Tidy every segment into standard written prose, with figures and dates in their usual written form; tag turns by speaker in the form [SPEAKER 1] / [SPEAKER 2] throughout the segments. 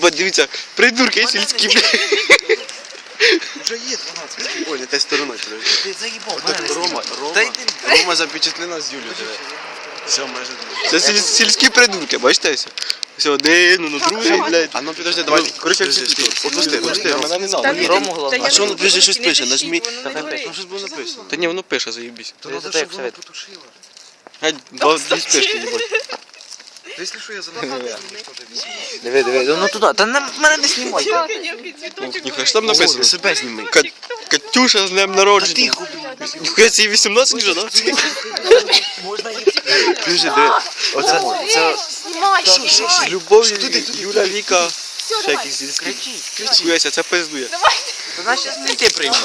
[SPEAKER 1] Єбать, дивіться, придурки сільські, блядь.
[SPEAKER 2] Вже є 12.
[SPEAKER 1] Ой, не те стороною, подожди.
[SPEAKER 2] Ти заїбав,
[SPEAKER 1] Так, Рома запечатлена з Юлією. Все, майже. Це сільські придурки, бачите? Все, один, другий, блядь. А ну підожди, давай. Короче, опусти. Мене не надо.
[SPEAKER 3] Рому глаза.
[SPEAKER 1] А що воно пише, щось пише? Нажмі.
[SPEAKER 3] Там
[SPEAKER 1] щось було написано. Та ні, воно пише, заєбісь.
[SPEAKER 2] То треба, щоб вона потушила.
[SPEAKER 1] Геть, дві спишки, їбать.
[SPEAKER 2] Та якщо що, я занадто.
[SPEAKER 3] Диви, ну туди, та мене не знімай.
[SPEAKER 1] Ніхай, що там написано?
[SPEAKER 2] Себе зніми.
[SPEAKER 1] Катюша з днем народження. Ніхай, це їй 18 вже, да?
[SPEAKER 3] Можна їх.
[SPEAKER 1] Дуже, диви. Оце, це з любов'ю Юля, Віка, ще якісь сільські. Кричи. Це пиздує.
[SPEAKER 3] Та нас зараз не ти приймуть.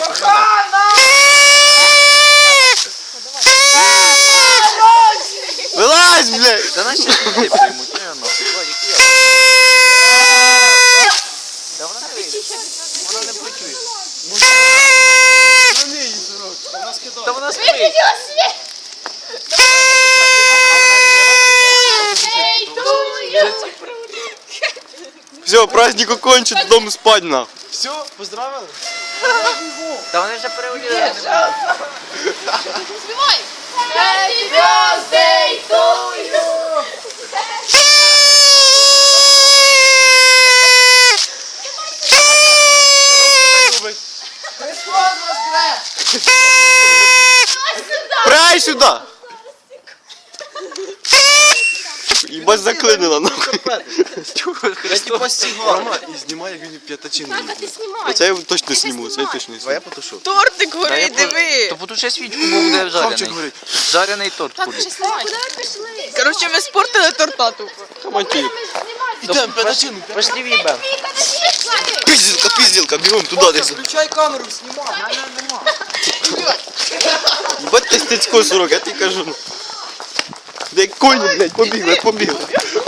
[SPEAKER 1] Вилазь, блядь!
[SPEAKER 3] Та нас зараз не ти приймуть. Та вона не вийде. Вона не почує. Та вона спить.
[SPEAKER 1] Все, праздник окончен, додому спать, нахуй. Все, поздравили?
[SPEAKER 3] Та вони вже переоділи.
[SPEAKER 4] Співай! Happy birthday to you!
[SPEAKER 1] Прай сюда! Ебать заклинила, нахуй.
[SPEAKER 2] Рома і знімає, як він п'ятачину.
[SPEAKER 4] Ти знімай!
[SPEAKER 1] Це я точно зніму, це я точно не зніму.
[SPEAKER 2] потушу.
[SPEAKER 5] Тортик
[SPEAKER 3] Та
[SPEAKER 5] горить, диви.
[SPEAKER 3] То потуши свічку, бо буде
[SPEAKER 2] Хавчик
[SPEAKER 3] жарений.
[SPEAKER 2] горить.
[SPEAKER 3] Жарений торт
[SPEAKER 4] Так,
[SPEAKER 3] буде.
[SPEAKER 4] вже знімай! Куди ви пішли?
[SPEAKER 5] Коротше, ми спортили торта тупо.
[SPEAKER 1] Командир.
[SPEAKER 2] Ідемо, п'ятачину.
[SPEAKER 3] Пошли в'їбем.
[SPEAKER 4] Віка, не пішли!
[SPEAKER 1] Пиздилка, бігом туди десь.
[SPEAKER 2] Включай камеру, знімай.
[SPEAKER 1] Ебать ти стецько, сурок, я тобі кажу. Де коні, блядь, побігли.